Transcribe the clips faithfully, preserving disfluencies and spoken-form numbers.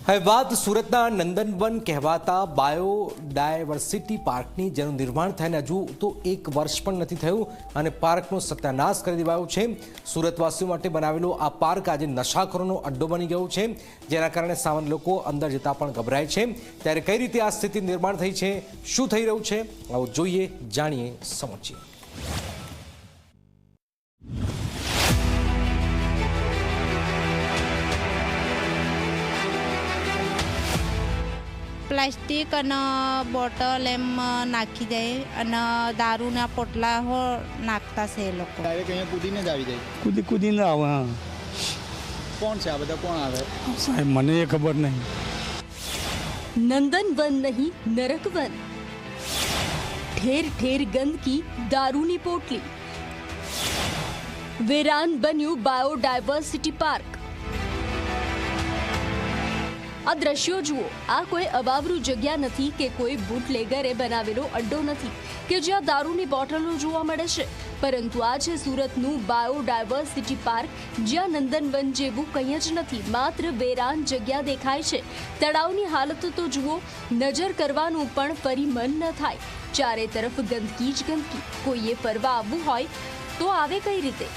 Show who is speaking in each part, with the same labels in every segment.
Speaker 1: હવે વાત સુરતના નંદનવન કહેવાતા બાયોડાયવર્સિટી પાર્કની, જેનું નિર્માણ થઈને હજુ તો એક વર્ષ પણ નથી થયું અને પાર્કનો સત્યાનાશ કરી દેવાયો છે। સુરતવાસીઓ માટે બનાવેલો આ પાર્ક આજે નશાખોરોનો અડ્ડો બની ગયો છે, જેના કારણે સામાન્ય લોકો અંદર જતા પણ ગભરાય છે। ત્યારે કઈ રીતે આ સ્થિતિ નિર્માણ થઈ છે, શું થઈ રહ્યું છે, આવો જોઈએ, જાણીએ, સમજીએ।
Speaker 2: પ્લાસ્ટિક અને બોટલ એમ નાખી જાય અને દારૂના પોટલા હો નાખતા છે એ લોકો।
Speaker 3: ડાયરેક્ટ અહીંયા કૂદીને જ આવી જાય?
Speaker 4: કૂદી કૂદીને આવે। હા,
Speaker 3: કોણ છે આ બધા? કોણ આવે
Speaker 4: સાહેબ મને એ ખબર નહીં।
Speaker 5: નંદનવન નહીં, નરકવન। ઠેર ઠેર ગંદકી, દારૂની પોટલી। વેરાન બન્યું બાયોડાયવર્સિટી પાર્ક। આ દ્રશ્યો જુઓ, આ કોઈ અવાવરું જગ્યા નથી કે કોઈ બુટલેગરે બનાવેલો અડ્ડો નથી કે જ્યાં દારૂની બોટલો જોવા મળે છે, પરંતુ આ છે સુરતનું બાયોડાયવર્સિટી પાર્ક, જ્યાં નંદનવન જેવું કંઈ જ નથી, માત્ર વેરાન જગ્યા દેખાય છે। તળાવની હાલત તો જુઓ, નજર કરવાનું પણ ફરી મન ન થાય। ચારે તરફ ગંદકી જ ગંદકી। કોઈએ ફરવા આવવું હોય તો આવે કઈ રીતે?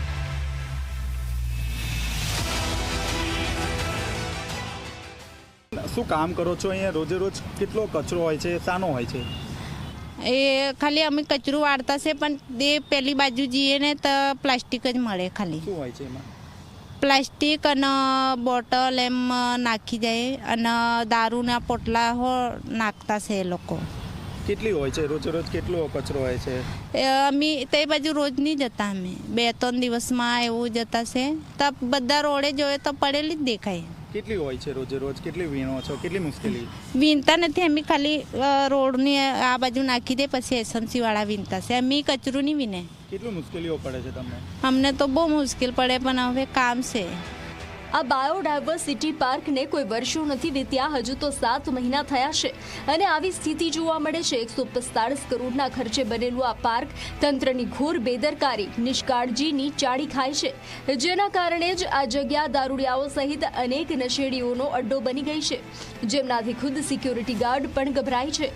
Speaker 3: શું કામ કરો છો અહીંયા? રોજે રોજ કેટલો કચરો હોય છે, શાનો હોય છે?
Speaker 2: એ ખાલી અમે કચરું વાળતા છે, પણ તે પેલી બાજુ જઈએ ને તો પ્લાસ્ટિક જ મળે। ખાલી
Speaker 3: શું હોય છે એમાં?
Speaker 2: પ્લાસ્ટિક અને બોટલ એમ નાખી જાય અને દારૂના પોટલા હો નાખતા છે એ લોકો।
Speaker 3: કેટલી હોય છે રોજે રોજ? કેટલો કચરો હોય છે?
Speaker 2: અમે તે બાજુ રોજ નહીં જતા, અમે બે ત્રણ દિવસમાં એવું જતા છે, તો બધા રોડે જોઈએ તો પડેલી જ દેખાય।
Speaker 3: કેટલી હોય છે રોજે રોજ? કેટલી વીણો છો? કેટલી મુશ્કેલી?
Speaker 2: વીણતા નથી અમે, ખાલી રોડની આ બાજુ નાખી દે, પછી એસએમસી વાળા વીણતા છે, અમે કચરું નહીં વીને।
Speaker 3: કેટલી મુશ્કેલીઓ પડે છે તમને?
Speaker 2: અમને તો બહુ મુશ્કેલ પડે, પણ હવે કામ છે।
Speaker 5: આ બાયોડાયવર્સિટી પાર્કને કોઈ વર્ષો નથી વીત્યા, હજુ તો સાત મહિના થયા છે અને આવી સ્થિતિ જોવા મળે છે। એકસો પિસ્તાળીસ કરોડના ખર્ચે બનેલું આ પાર્ક તંત્રની ઘોર બેદરકારી, નિષ્કાળજીની ચાળી ખાય છે, જેના કારણે જ આ જગ્યા દારૂડિયાઓ સહિત અનેક નશેડીઓનો અડ્ડો બની ગઈ છે, જેમનાથી ખુદ સિક્યોરિટી ગાર્ડ પણ ગભરાય છે।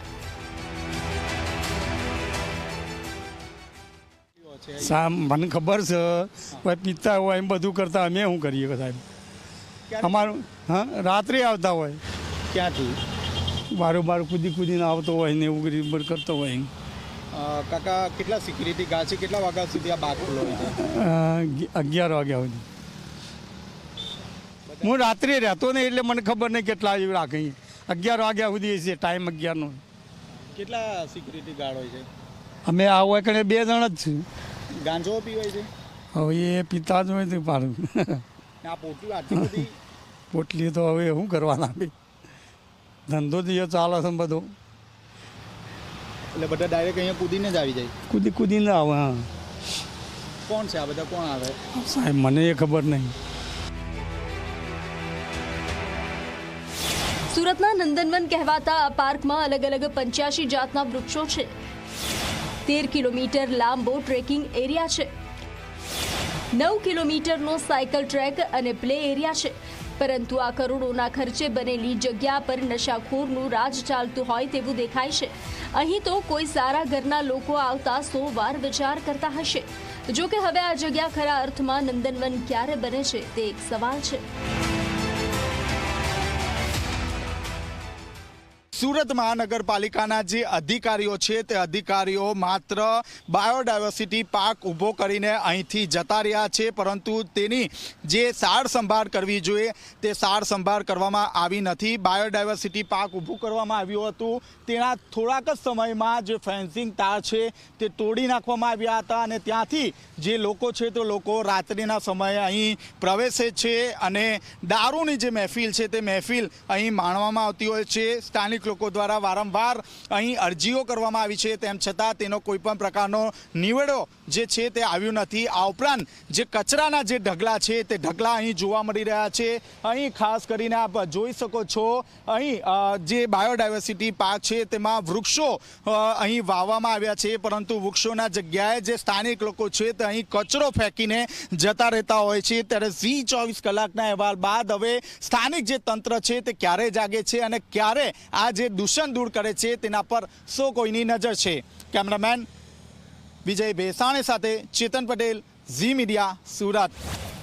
Speaker 4: સાહેબ મને ખબર છે, કોઈ પીતા હોય એમ બધું કરતા, અમે શું કરીએ સાહેબ? અમારું હા, રાત્રે આવતા હોય।
Speaker 3: ક્યાંથી?
Speaker 4: બારું બારું કૂદી કૂદીને આવતો હોય ને એવું કરી કરતો હોય।
Speaker 3: કાકા, કેટલા સિક્યુરિટી ગાર્ડ છે? કેટલા વાગ્યા સુધી આ બાગ ખુલ્લો હોય છે?
Speaker 4: અગિયાર વાગ્યા સુધી। હું રાત્રે રહેતો ને એટલે મને ખબર નહીં કેટલા એવું રાખે। અગિયાર વાગ્યા સુધી છે ટાઈમ, અગિયારનો।
Speaker 3: કેટલા સિક્યુરિટી ગાર્ડ હોય છે?
Speaker 4: અમે આ હોય કે બે જણ જ છીએ।
Speaker 3: ગાંજો પીવાય છે?
Speaker 4: હવે એ પીતા જ હોય તો પાડું।
Speaker 3: આ પોટલી આટલી બધી
Speaker 4: પોટલી તો હવે શું કરવાના, ધંધો થયો ચાલે છે બધો,
Speaker 3: એટલે બધા ડાયરેક્ટ અહીંયા કૂદીને જ આવી જાય?
Speaker 4: કૂદી કૂદીને આવે। હા,
Speaker 3: કોણ છે આ બધા? કોણ આવે
Speaker 4: સાહેબ મને એ ખબર નહીં।
Speaker 5: સુરતના નંદનવન કહેવાતા આ પાર્કમાં અલગ અલગ પંચ્યાસી જાતના વૃક્ષો છે। તેર કિલોમીટર લાંબો ટ્રેકિંગ એરિયા છે, નવ કિલોમીટરનો સાયકલ ટ્રેક અને પ્લે એરિયા છે, પરંતુ આ કરોડોના ખર્ચે બનેલી જગ્યા પર નશાખોરનું રાજ ચાલતું હોય તેવું દેખાય છે। અહીં તો કોઈ સારા ઘરના લોકો આવતા સો વાર વિચાર કરતા હશે। જો કે હવે આ જગ્યા ખરા અર્થમાં નંદનવન ક્યારે બને છે તે એક સવાલ છે।
Speaker 3: સુરત મહાનગરપાલિકાના જે અધિકારીઓ છે તે અધિકારીઓ માત્ર બાયોડાયવર્સિટી પાર્ક ઊભો કરીને અહીંથી જતા રહ્યા છે, પરંતુ તેની જે સાર સંભાળ કરવી જોઈએ તે સાર સંભાળ કરવામાં આવી નથી। બાયોડાયવર્સિટી પાર્ક ઊભું કરવામાં આવ્યું હતું, તેના થોડાક જ સમયમાં જે ફેન્સિંગ તાર છે તે તોડી નાખવામાં આવ્યા હતા અને ત્યાંથી જે લોકો છે તે લોકો રાત્રિના સમયે અહીં પ્રવેશે છે અને દારૂની જે મહેફિલ છે તે મહેફિલ અહીં માણવામાં આવતી હોય છે। સ્થાનિક લોકો દ્વારા વારંવાર અહીં અરજીઓ કરવામાં આવી છે, તેમ છતાં તેનો કોઈ પણ પ્રકારનો નિવેડો જે છે તે આવ્યું નથી. આ ઉપરાંત જે કચરાના જે ઢગલા છે તે ઢગલા અહીં જોવા મળી રહ્યા છે. અહીં ખાસ કરીને આપ જોઈ શકો છો, અહીં જે બાયોડાયવર્સિટી પાર્ક છે તેમાં વૃક્ષો અહીં વાવવામાં આવ્યા છે, પરંતુ વૃક્ષોના જગ્યાએ જે સ્થાનિક લોકો છે તે અહીં કચરો ફેંકીને જતા રહેતા હોય છે. ત્યારે ઝી ચોવીસ કલાકના અહેવાલ બાદ હવે સ્થાનિક જે તંત્ર છે તે ક્યારે જાગે છે અને ક્યારે આ જે દૂષણ દૂર કરે છે તેના પર સૌ કોઈની નજર છે. કેમેરામેન વિજય ભેસાણી સાથે ચેતન પટેલ, ઝી મીડિયા, સુરત.